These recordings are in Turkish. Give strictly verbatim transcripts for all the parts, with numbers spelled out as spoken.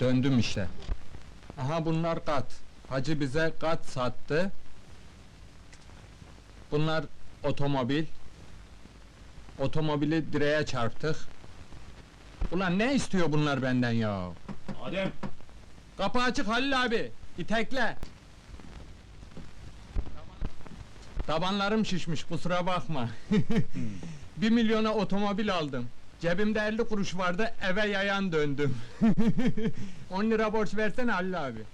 Döndüm işte. Aha bunlar kat. Hacı bize kat sattı. Bunlar otomobil. Otomobili direğe çarptık. Ulan ne istiyor bunlar benden ya? Adem! Kapı açık Halil abi. İtekle. Tabanlarım şişmiş, kusura bakma. Bir milyona otomobil aldım. Cebimde elli kuruş vardı, eve yayan döndüm. On lira borç versene Halil abi.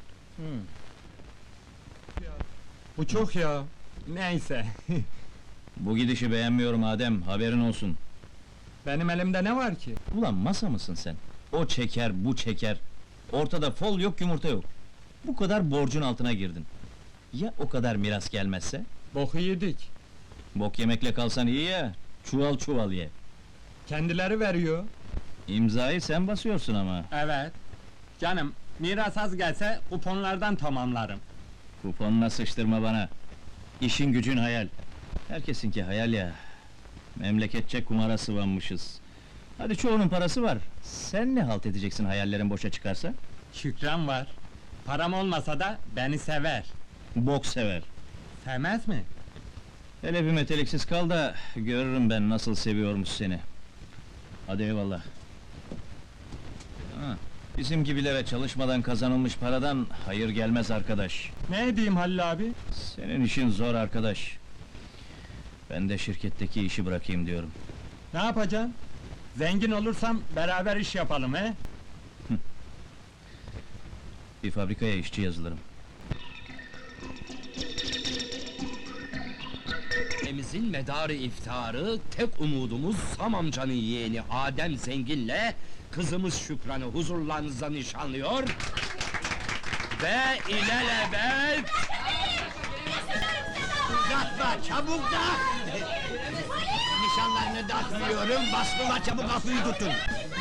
Bu çok ya. Neyse. Bu gidişi beğenmiyorum Adem, haberin olsun. Benim elimde ne var ki? Ulan masa mısın sen? O çeker, bu çeker. Ortada fol yok, yumurta yok. Bu kadar borcun altına girdin. Ya o kadar miras gelmezse? Boku yedik. Bok yemekle kalsan iyi ya, çuval çuval ye. Kendileri veriyor. İmzayı sen basıyorsun ama. Evet. Canım, miras az gelse kuponlardan tamamlarım. Kuponuna sıçtırma bana. İşin gücün hayal. Herkesinki hayal ya. Memleketçe kumara sıvanmışız. Hadi çoğunun parası var. Sen ne halt edeceksin hayallerin boşa çıkarsa? Şükran var. Param olmasa da beni sever. Bok sever. Sevmez mi? Hele bir meteliksiz kal da görürüm ben nasıl seviyormuş seni. Hadi eyvallah. Ha, bizim gibilere çalışmadan kazanılmış paradan hayır gelmez arkadaş. Ne edeyim Halil abi? Senin işin zor arkadaş. Ben de şirketteki işi bırakayım diyorum. Ne yapacaksın? Zengin olursam beraber iş yapalım he? Bir fabrikaya işçi yazılırım. Ailemizin medarı iftarı, tek umudumuz Sam amcanın yeğeni Adem Zengin'le kızımız Şükran'ı huzurlarınızda nişanlıyor ve ilelebet... Uzatma, çabuk da! Nişanlarını dağıtıyorum, bastılar çabuk kapıyı tutun!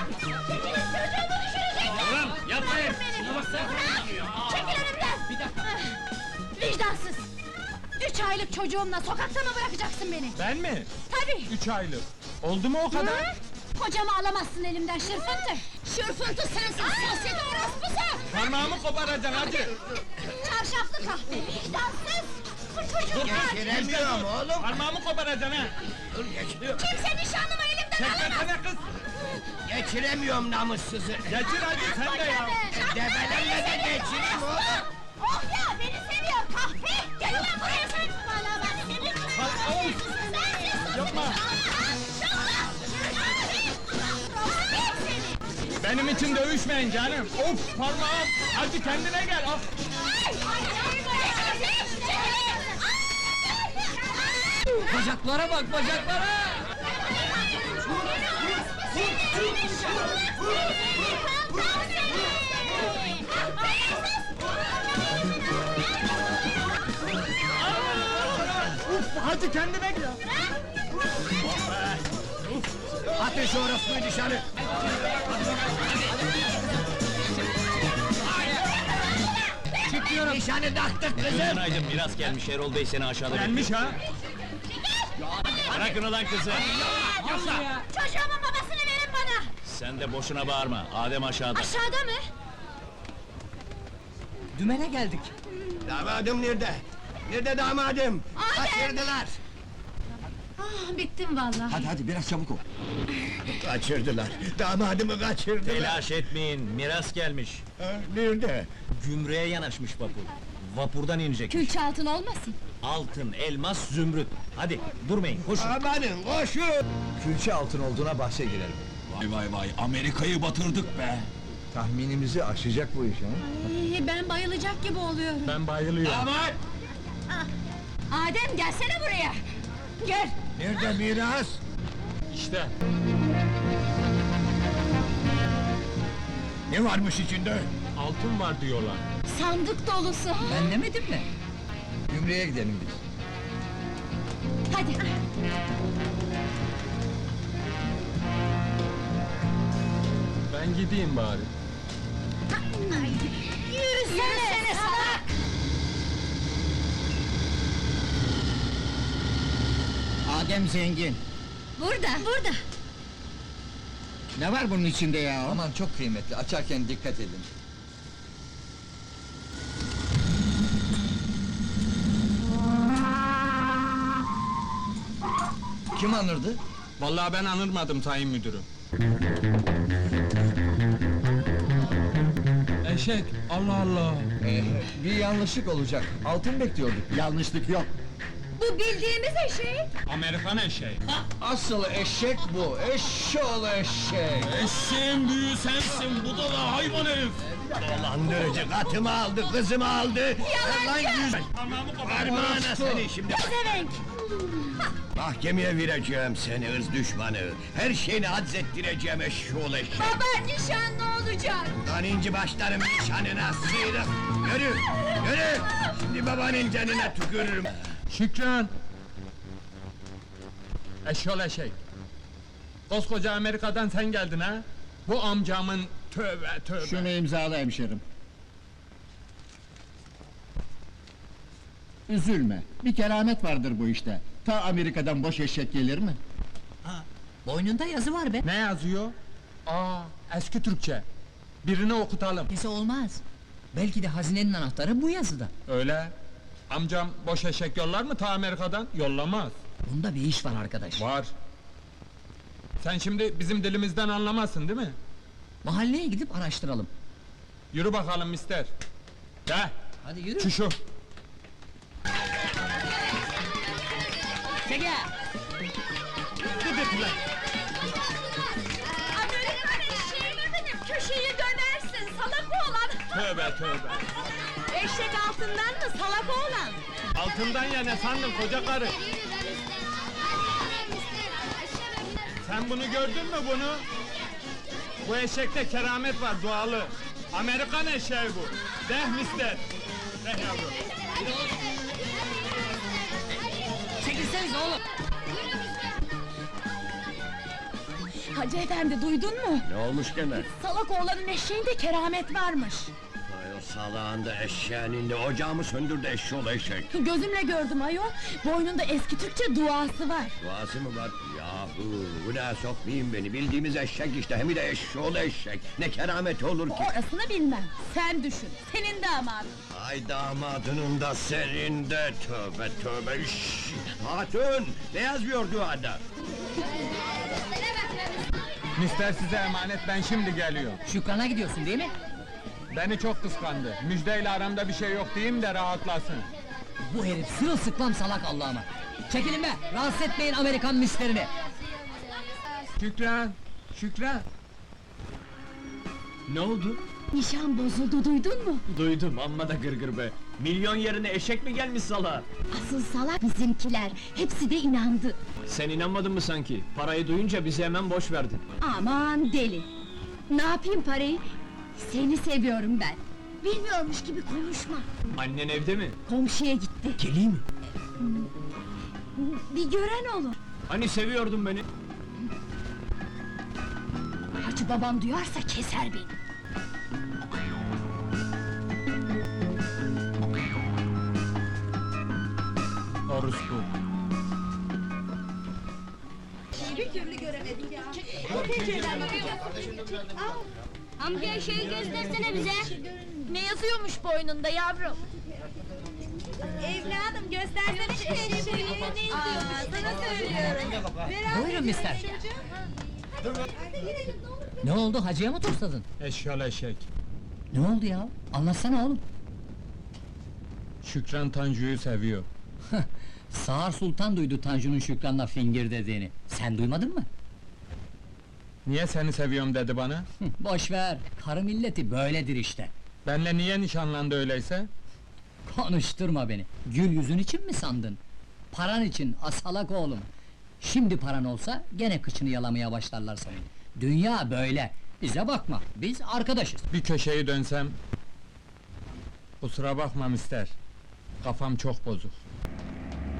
Ulan yapmayın! Çekil önümden! Vicdansız! Üç aylık çocuğumla sokakta mı bırakacaksın beni? Ben mi? Tabii! Üç aylık. Oldu mu o kadar? Hı? Kocamı alamazsın elimden şırfıntı! Şırfıntı sensin, sosyete orospusu! Parmağımı koparacaksın hacı! Çarşaflı kahve, vicdansız! Bu çocuk kaç! Geçiremiyorum oğlum! Parmağımı koparacaksın ha! Dur geçiriyorum! Kimse nişanlımı elimden alamaz! Çekmesene kız! Geçiremiyorum namussuzu! Geçir hacı sen de ya! Debelenme de geçireyim oğlum! Oh ya, beni seviyor kahpe! Gel ulan buraya sen! Valla ben seni... Ay, yapma! Benim için dövüşmeyin canım! Of parmağım! Hacı kendine gel! Of. Bacaklara bak, bacaklara! Uf, hacı kendine gel! Atın şu orospuyu dışarı! Çıkıyorum! Nişanı taktık kızım! Günaydın, miras gelmiş, Erol Bey seni aşağıda Gelmiş ha! Bırakın ulan kızı! Çocuğumun babasını verin bana! Sen de boşuna bağırma, Adem aşağıda. Aşağıda mı? Dümene geldik. Damadım nerede? Nerede damadım? Adem! Kaçırdılar! Ah, bittim vallahi. Hadi hadi biraz çabuk ol! Kaçırdılar! Damadımı kaçırdılar! Telaş etmeyin, miras gelmiş. Ha, nerede? Gümrüğe yanaşmış vapur. Vapurdan inecek. Külçe altın olmasın? Altın, elmas, zümrüt. Hadi, durmayın, koşun. Amanın koşun! Külçe altın olduğuna bahse girelim. Vay vay vay, Amerika'yı batırdık be! Tahminimizi aşacak bu iş ha? Ay, ben bayılacak gibi oluyorum. Ben bayılıyorum. Damat! Adem gelsene buraya! Gel! Nerede miras? İşte. Ne varmış içinde? Altın var diyorlar. Sandık dolusu! Ben demedim mi? Gümrüğe gidelim biz. Hadi! Ben gideyim bari. Yürüsene, Yürüsene salak! Adem zengin. Burada, burada! Ne var bunun içinde ya? Aman çok kıymetli, açarken dikkat edin. Kim anırdı? Vallahi ben anırmadım sayın müdürüm. Eşek, Allah Allah! Ee, bir yanlışlık olacak. Altın bekliyorduk. Yanlışlık yok. Bu bildiğimiz eşek. Amerikan eşeği. Asıl eşek bu. Eşşoğlu eşek. Eşeğin büyüğü sensin, budala hayvan herif! Dolandırıcı katımı aldı, kızımı aldı. Lan yüz... Parmağına seni şimdi. Pezevenk. Mahkemeye vereceğim seni ırz düşmanı. Her şeyini hadzettireceğim eşşoğlu eşek. Baba nişan ne olacak? Lan inci başlarım nişanına sıyrık. Yürü, yürü! Şimdi babanın canına tükürürüm. Şükran! Eşyol eşek! Koskoca Amerika'dan sen geldin ha? Bu amcamın tövbe tövbe! Şunu imzala hemşerim. Üzülme, bir keramet vardır bu işte. Ta Amerika'dan boş eşek gelir mi? Boynunda yazı var be. Ne yazıyor? Aa, eski Türkçe. Birini okutalım. Neyse olmaz. Belki de hazinenin anahtarı bu yazıda. Öyle. Amcam boş eşek yollar mı ta Amerika'dan? Yollamaz. Bunda bir iş var arkadaş. Var. Sen şimdi bizim dilimizden anlamazsın değil mi? Mahalleye gidip araştıralım. Yürü bakalım mister. De, Hadi yürü. şu şu. Çeke! Amerikan eşeği mi benim? Köşeyi dönersin salak oğlan. Tövbe tövbe. Eşek altından mı salak oğlan? Altından ya ne sandın koca karı? Sen bunu gördün mü bunu? Bu eşekte keramet var dualı. Amerikan eşeği bu. Deh mister. Deh yavrum. Çekilsenize oğlum! Hacı efendi duydun mu? Ne olmuş gene? Salak oğlanın eşeğinde keramet varmış. Ay o salağında eşeğinin de ocağımı söndürdü eşşoğlu eşek. Gözümle gördüm ayol. Boynunda eski Türkçe duası var. Duası mı var? Yahu, günaha sokmayın beni. Bildiğimiz eşek işte, hem de eşşoğlu eşek. Ne kerameti olur ki? Orasını bilmem. Sen düşün. Senin damadın. Ay damadının da senin de, tövbe tövbe. Şşş! Hatun, ne yazıyor duada? Mister size emanet ben şimdi geliyorum. Şükran'a gidiyorsun değil mi? Beni çok kıskandı. Müjdeyle aramda bir şey yok diyeyim de rahatlasın. Bu herif sırılsıklam salak Allah'ıma! Çekilin be! Rahatsız etmeyin Amerikan misterini! Şükran, Şükran. Ne oldu? Nişan bozuldu duydun mu? Duydum, amma da gırgır be! Milyon yerine eşek mi gelmiş salağa? Asıl salak bizimkiler. Hepsi de inandı. Sen inanmadın mı sanki? Parayı duyunca bizi hemen boş verdin. Aman deli! Ne yapayım parayı? Seni seviyorum ben. Bilmiyormuş gibi konuşma. Annen evde mi? Komşuya gitti. Geleyim mi? Bir gören olur. Hani seviyordun beni? Hacı babam duyarsa keser beni. Orospu. Amca şeyi göstersene bize. Ne yazıyormuş boynunda yavrum? Evladım göstersene şu eşeği. Ne yazıyormuş? Sana söylüyorum. Buyurun mister! Ne oldu, hacıya mı tosladın? Eşyol eşek. Ne oldu ya? Anlatsana oğlum! Şükran Tanju'yu seviyor. Sağır Sultan duydu Tanju'nun Şükran'la fingir dediğini. Sen duymadın mı? Niye seni seviyorum dedi bana? Hı, boş ver, karı milleti böyledir işte. Benle niye nişanlandı öyleyse? Konuşturma beni. Gül yüzün için mi sandın? Paran için, asalak oğlum. Şimdi paran olsa gene kıçını yalamaya başlarlar senin. Dünya böyle. Bize bakma, biz arkadaşız. Bir köşeyi dönsem... Kusura bakma mister. Kafam çok bozuk.